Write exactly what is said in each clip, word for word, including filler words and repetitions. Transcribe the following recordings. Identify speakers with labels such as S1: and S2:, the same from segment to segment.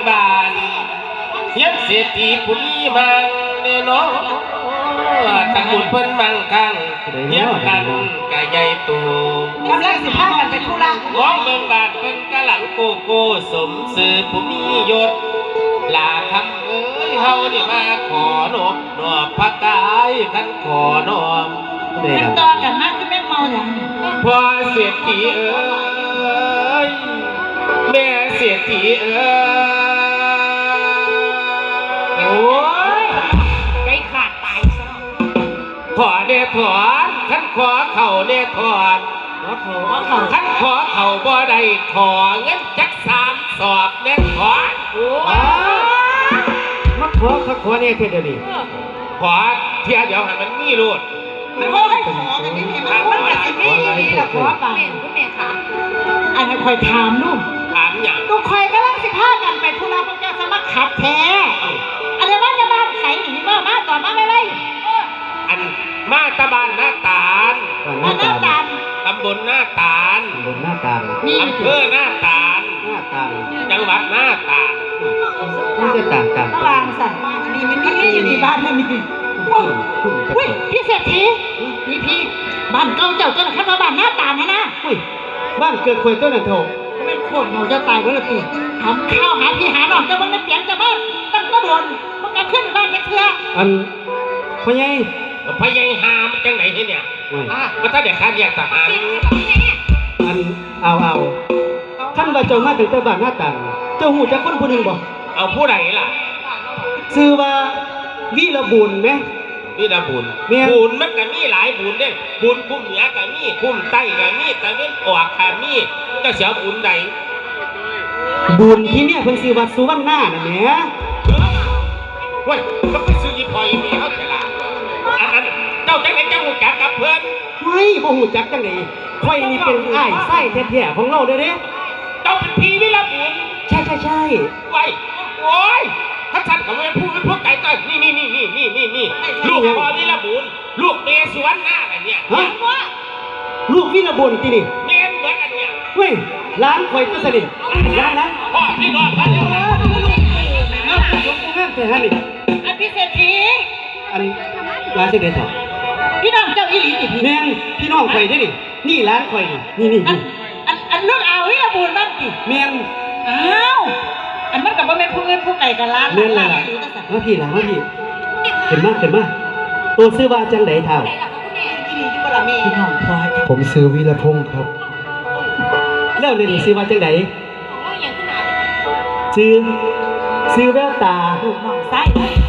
S1: บานยังเศรษฐีผู้มีมังเนเนาะตระกูลเพิ่นมังคังเยี่ยมกันกะใหญ่โต
S2: กำลังสิพากันไปธุระ
S1: มองเมืองบาดเพิ่นกะหลังโกโก้สมสื่อผู้มียศลาคำเอ้ยเฮานี่มาขอนบนอบพระกายขันขอนอม
S2: มันต่อกันมากคือแม่เมาอย่างนี้
S1: พอเศรษฐีเอ้ยแม่เศรษฐีเอ้ยโอ้ย
S2: ใจขาดตายซะ
S1: ขอเดถอนขันขอเข่าเดถอนขันขอเข่าบ่ได้ขอเงินจักสามสอบเดถอนโอ้
S3: มาขอขันขอเนี่ยเท่านี้
S1: ขอเที่ยเดี๋ยวให้มันมีรูด
S2: มันขอให้ขอกันนี่มันมันแบบนี้นี่แหละขอป่ะแม่คุณแม่ค่ะอันนี้คอยถามลูก
S1: ถามอย่าง
S2: ลูกคอยกำลังสิพากันไปธุระพระเจ้าสมัครขับแท้อันนี้ว่าจะบ้านใสหนีมามาต่อมาไม่ไร
S1: อันมาตะบานหน้าตาล
S2: หน้าตาล
S1: ตำบลหน้าตาล
S3: ตำบลหน้าตาล
S1: อำเภอหน้าตาล
S3: หน้าตาล
S1: จังหวัดหน้าตาล
S3: นี่จะต่างต่าง
S2: บางสัตว์อันนี้มันนี่อยู่ที่บ้านนั่นนี่อุ้ยพี่เศรษฐีพี่พี่บ้านเก่าเจ้าเจ้าหน้าที่บ้านหน้าตาลนะนะ
S3: อุ้ยบ้านเกิดควยต้นนั่นโถ
S2: ไม่โคตรเราจะตายเวลาตีทำข้าวหาพี่หาหนอนจะบ้านไม่เปลี่ยนจะบ้านตั้งก็โดนมันก็ขึ้นบ้านแค่เชื่อ
S3: อันพ่อใหญ่
S1: พ่อใหญ่หามจังไหนเนี่ยอ่ะก็ถ้าเด็กขาดอยากทหาร
S3: อันเอาเอาท่านว่าเจ้ามาถึงแต่บ้านหน้าตาลเจ้าหูจักคนผู้หนึ่งบ่
S1: เอาผู้ใดล่ะ
S3: ชื่อว่าวีรบุญไหม
S1: วีรบุญบุญมันก็มีหลายบุญเด้บุญคุ้มเหนือก็มีคุ้มใต้ก็มีแต่เว้นออกก็มีก็เสียบุญใด
S3: บุญที่เนี่ยเพิ่นชื่อว่าสุวรรณาน่ะแหม
S1: เว้ยก็ไปซื้อยี่พอยมีเขาเถอะล่ะอันนั้นเจ้าจังไหนเจ้าหูจักกับเพื่อน
S3: เฮ้ยบ่หูจักจังไหนค่อยนี่เป็นอ้ายไส้แท้ๆของเราเด้อเด้
S1: เจ้าเป็นพี่วิรบุญ
S3: ใช่ใช่ใช่
S1: ไว้โอ้ยถ้าฉันกับเพื่อนพูดพวกไก่ต้อยนี่นี่นี่นี่นี่นี่นี่ลูกพ่อวิรบุญลูกเมย์สวนหน้าอะไรเนี่ยฮะ
S3: ลูกวิรบุญที่นี่
S1: เมย์เหมือนกันเนี่ย
S3: เว้ยร้านข่อยก็สนิทร้านนะ
S1: พ่อพี่น้องกันเดียวนะ
S3: ยกมือแม่แต่ฮันนี่
S2: อันพิเศษที
S3: อันร้านเสด็จถอด
S2: พี่น้องเจ้าอีหลีนี่
S3: แม่พี่น้องข่อยได้ดินี่ร้านข่อยนี่นี่นี่
S2: อันอันลูกเอาวิรบุญบ้างดิ
S3: แม่
S2: อ้าวอันมันกับว่าแม่ผู้เงินผู้ไก่กันล้าน
S3: เล่นเลยล่ะมาพี่ล่ะมาพี่เห็นมากเห็นมากตัวซื้อว่าจังไหนเท่า
S2: พี่น้องพอ
S3: ผมซื้อวิรพงศ์ครับแล้วเรียนซื้อว่าจังไหนซื้อซื้อแววตา
S2: ลูกน้องไส้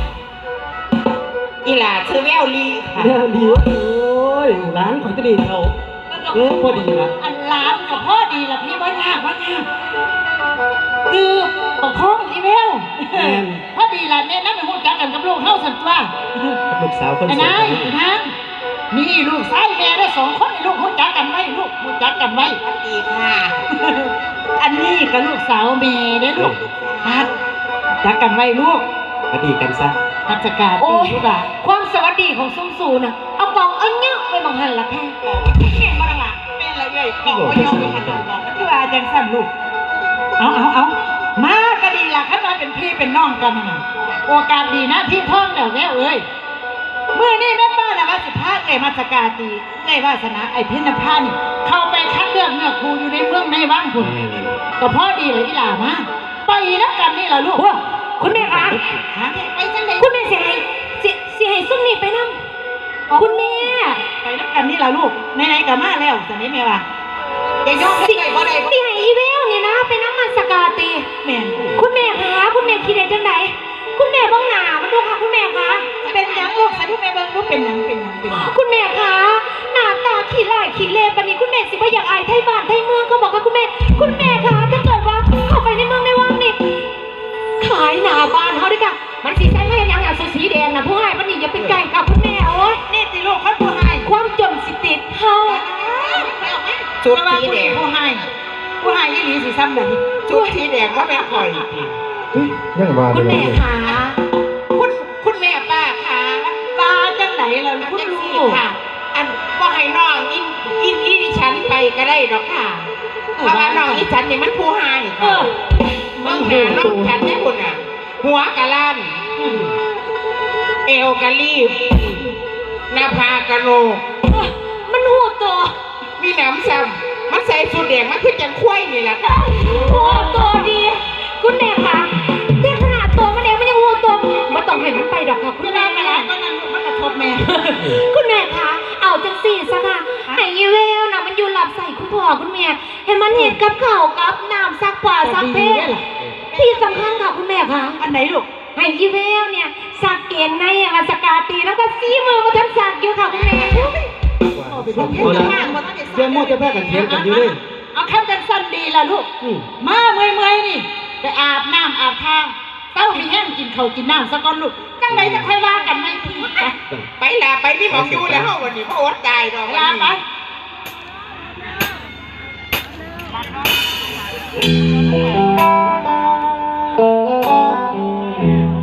S2: อีหล่าซื้อแววลี
S3: แววลีโอ้ยร้านของจะดีเท่าเออพอดีละ
S2: อันร้านกับพ่อดีละพี่ว่ายากว่ายากคือปกครองอีเวลพอดีละเนี่ยนั่งเป็นหูจักกันกับลูกเข้าสันตัว
S3: ลูกสาวคนสวย
S2: ไอ้นายท่านนี่ลูกไส้แม่ได้สองคนลูกหูจักกันไว้ลูกหูจักกันไว้ดีค่ะอันนี้กับลูกสาวเมย์เนี่ยลูกพัดจักกันไว้ลูก
S3: พัดดีกันซะ
S2: พัฒการโอ้ยความสวัสดีของซุ้มซูน่ะเอากองเอาเงี้ยไปบังหันละแค่แม่มาละแม่ละใหญ่กองก็ยอมไปหันหลังบอกคืออาจารย์สั้นลูกเอาเอาเอามาก็ดีละขันมาเป็นพี่เป็นน้องกันนะโอกาสดีนะพี่ท่องเดี๋ยวแม่เอ้ยเมื่อนี่แม่ป้านะว่าสิพาไก่มาสกาตีไก่วาสนาไอ้พิณพานี่เข้าไปคัดเลือกเนื้อครูอยู่ในเมืองในว่างคุณก็พอดีเลยอีหล่ามาไปนักกันนี่ล่ะลูก
S4: คุณแม่คะ
S2: ไปจังเลย
S4: คุณแม่เสียให้เสียเสียให้ซุ่มนี่ไปนั่งคุณแม่
S2: ไปนักกันนี่ล่ะลูกไหนๆกับมาแล้วจะไม่แม่ว่าอย่ายอมให้บ่ได้
S4: เสียให้อีเวลนี่นะไปนั่งมาสกาตี
S2: แม่
S4: คุณแม่คะคุณแม่คิดได้จังไหนคุณแม่บ้องหนามันดูค่ะคุณแม่คะ
S2: เป็นยังลูกใส่ทุกแม่เบิ้งลูกเป็นยังเป็นยังเป็นยัง
S4: คุณแม่คะหน้าตาขี้ไล่ขี้เล่ปนี้คุณแม่สิว่าอยากอายไทยบ้านไทยเมืองเขาบอกว่าคุณแม่คุณแม่คะถ้าเกิดว่าเข้าไปในเมืองในวังนี่ขายหน้าบ้านเขาด้วยกันมันสีใสไม่ยังอย่างสีแดงนะผู้ให้มันนี่อย่าเป็นไก่กับคุณแม่โอ้ย
S2: นี่สิลูกเขาผู้ให้
S4: ความจนสิติดเฮา
S2: จุดสีแดงผู้ให้ผู้ให้ยี่หลีสีซ้ำแบบนี้จุดสีแดงว่าแม่คอย
S3: ยังว่า
S4: คุณแม่คะ
S2: คุณคุณแม่ป้าคะป้าจังไหนล่ะคุณลูกค่ะอันว่าให้น้องอินอินอินฉันไปก็ได้หรอกค่ะเพราะว่าน้องอินฉันเนี่ยมันผู้ให้ค่ะมันหาน้องฉันเนี่ยบุญ
S1: หัวกะล้านเอวกะรีบหน้าผากกะโหลก
S4: มันหูตัว
S1: มีหนำซ้ำมันใส่สูทแดงมันคือจังควายนี่แหละค่ะ
S4: หูตัวดี คุณแม่คะที่ขนาดตัวมันเองมันยังหูตัวมันต้องเห็นมันไปดอกค่ะคุณแม่
S2: มาแล้วก็นั่นมันกระทบแม่
S4: คุณแม่คะเอาจังสี่ซะค่ะไอ้ยีเวลนะมันอยู่หลับใส่คุณพ่อคุณแม่เห็นมันเห็นกับเข่าวกับน้ำซักผ้าซักเพศที่สำคัญค่ะคุณแม่คะ
S2: อันไหนลูก
S4: ไอ้ยีเวลเนี่ยสักเกณฑ์ในอาสกาตีแล้วก็ซีมือมาทั้งสักอยู่ค่ะคุณแม่
S3: เอาละเดี๋ยวโมจะแพ้กันเถียงกันอยู่เลย
S2: เอาขั้นจังสั้นดีละลูก
S3: อืม
S2: มาเมื่อยเมื่อยๆนี่ไปอาบน้ำอาบทางเต้ามีแห้งกินข้าวกินน้ำสักก้อนลูกจังไรจะค่อยว่ากันไหมพี่ไป
S1: ไปละไปนี่หมองอยู่แล้ววันนี้พ่ออดตายดอก
S2: ลาไป
S1: วันนี้